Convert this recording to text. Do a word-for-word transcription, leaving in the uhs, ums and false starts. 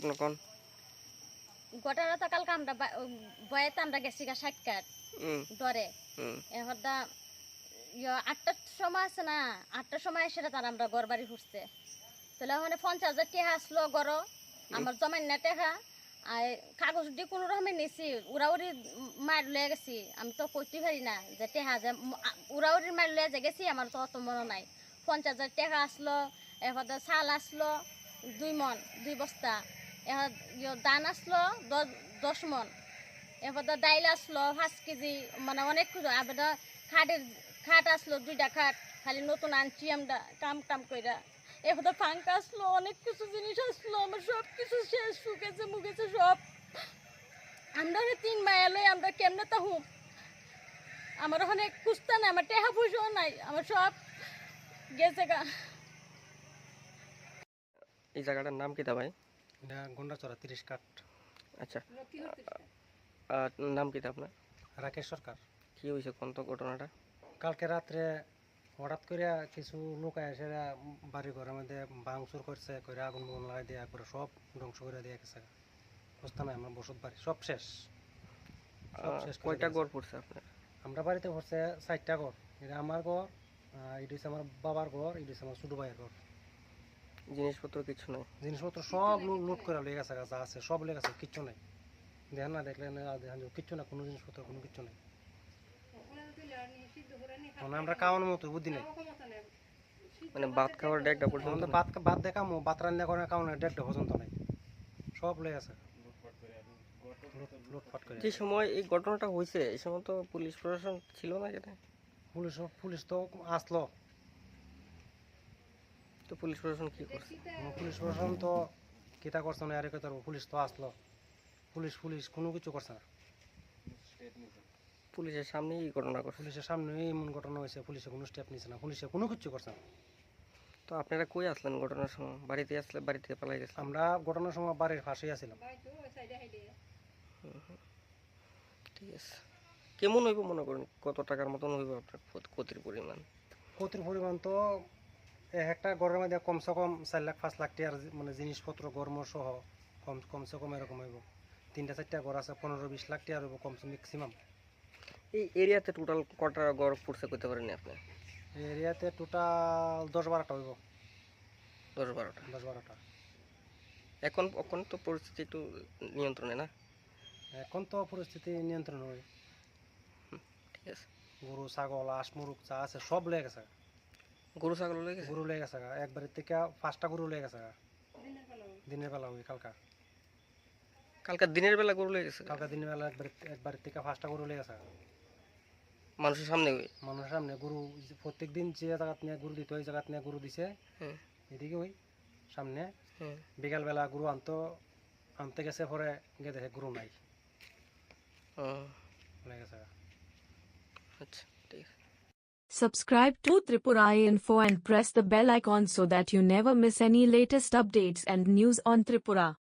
আপনি কোন ঘটনা তো কালকে আমরা বয়েতে আমরা গেছি গা ষাট কাঠ ডরে এখন দা ইয়ে আটটার সময় আছে না আটটার সময় সেটা তার আমরা ঘর বাড়ি ফুটছে তাহলে ওখানে পঞ্চাশ হাজার টেহা আসলো গড় আমার জমাই না টেহা আর কাগজ দিয়ে কোনো রকমের নিছি উড়াউড়ি মার লয়ে গেছি আমি তো করতে পারি না যে টেহা যে উড়াউড়ি মার লয়ে যে গেছি আমার তো অত মনে নাই পঞ্চাশ হাজার টেহা আসলো এবার চাল আসলো দুই মন দুই বস্তা এবার দান আসলো দশ দশ মন এবার ডাইল আসলো পাঁচ কেজি মানে অনেক কিছু আবার খাটের খাট আসলো দুইটা খাট খালি নতুন আনছি আমরা কাম টাম কইরা এবার পাঙ্কা আসলো অনেক কিছু জিনিস আসলো আমার সব কিছু শেষ শুকেছে মুখেছে সব আমরা তিন মায়া লই আমরা কেমনে তা হুম আমার ওখানে কুস্তা নাই আমার টেহা পয়সাও নাই আমার সব গেছে গা। এই জায়গাটার নাম কি তা ভাই? এটা গন্ডাচড়া তিরিশ কাঠ। আচ্ছা, নাম কি তা আপনার? রাকেশ সরকার। কি হয়েছে কোন তো ঘটনাটা? কালকে রাত্রে হঠাৎ করে কিছু লোক এসে বাড়ি ঘরের মধ্যে ভাঙচুর করছে করে আগুন বগুন লাগাই দেওয়া করে সব ধ্বংস করে দিয়ে গেছে। বুঝতে নাই আমার বসত বাড়ি সব শেষ সব শেষ। কয়টা ঘর পড়ছে আপনার? আমরা বাড়িতে পড়ছে চারটা ঘর। এটা আমার ঘর, এটা হচ্ছে আমার বাবার ঘর, এটা হচ্ছে আমার ছোটো ভাইয়ের ঘর। জিনিসপত্র কিছু নাই? জিনিসপত্র সব লুট করে লেগে গেছে, যা আছে সব লেগে গেছে, কিচ্ছু নাই। দেখেন না, দেখলে দেখেন কিচ্ছু না, কোনো জিনিসপত্র কোনো কিচ্ছু নাই। মানে আমরা খাওয়ানোর মতো বুদ্ধি নেই, মানে ভাত খাওয়ার ডেকটা পর্যন্ত ভাত ভাত দেখামো ভাত রান্না করে খাওয়ানোর ডেকটা পর্যন্ত নাই, সব লেগে গেছে লুটপাট করে। যে সময় এই ঘটনাটা হয়েছে এই সময় তো পুলিশ প্রশাসন ছিল না এখানে? পুলিশ পুলিশ তো আসলো। তো পুলিশ প্রশাসন কি করছে? পুলিশ প্রশাসন তো কিতা করছে না, আর কি করবো, পুলিশ তো আসলো। পুলিশ পুলিশ কোনো কিছু করছে না। পুলিশের সামনেই এই ঘটনা করছে? পুলিশের সামনে এমন ঘটনা হয়েছে, পুলিশে কোনো স্টেপ নিচ্ছে না, পুলিশে কোনো কিছু করছে না। তো আপনারা কই আসলেন ঘটনার সময়? বাড়িতে আসলে বাড়ি থেকে পালাই গেছে? আমরা ঘটনার সময় বাড়ির পাশেই আছিলাম। ঠিক আছে, কেমন হইব মনে করেন, কত টাকার মতন হইব আপনার ক্ষতির পরিমাণ? ক্ষতির পরিমাণ তো এক একটা ঘরের মধ্যে কমসে কম চার লাখ পাঁচ লাখ টাকার মানে জিনিসপত্র গরম সহ কম কমসে কম এরকম হইব। তিনটা চারটা ঘর আছে, পনেরো বিশ লাখ টাকা হইব কমসে ম্যাক্সিমাম। এই এরিয়াতে টোটাল কটা ঘর পড়ছে করতে পারেন আপনি? এই এরিয়াতে টোটাল দশ বারোটা হইব। দশ বারোটা দশ বারোটা এখন এখন তো পরিস্থিতি একটু নিয়ন্ত্রণে না? এখন তো পরিস্থিতি নিয়ন্ত্রণ হয়। ঠিক আছে, গরু ছাগল হাঁস মুরগ যা আছে সব লেগে গেছে। গরু ছাগল লেগে গরু লেগে গেছে, একবারের থেকে পাঁচটা গরু লেগে গেছে দিনের বেলা। ওই কালকা কালকে দিনের বেলা গরু লেগে গেছে? কালকা দিনের বেলা একবার একবারের থেকে পাঁচটা গরু লেগে গেছে মানুষের সামনে? মানুষের সামনে গরু প্রত্যেক দিন যে জায়গা নিয়ে গরু দিত ওই জায়গা নিয়ে গরু দিছে। এদিকে ওই সামনে বিকাল বেলা গরু আনতো আনতে গেছে, পরে গিয়ে দেখে গরু নাই, লেগে গেছে। আচ্ছা, ঠিক আছে। Subscribe to Tripura Info and press the bell icon so that you never miss any latest updates and news on Tripura.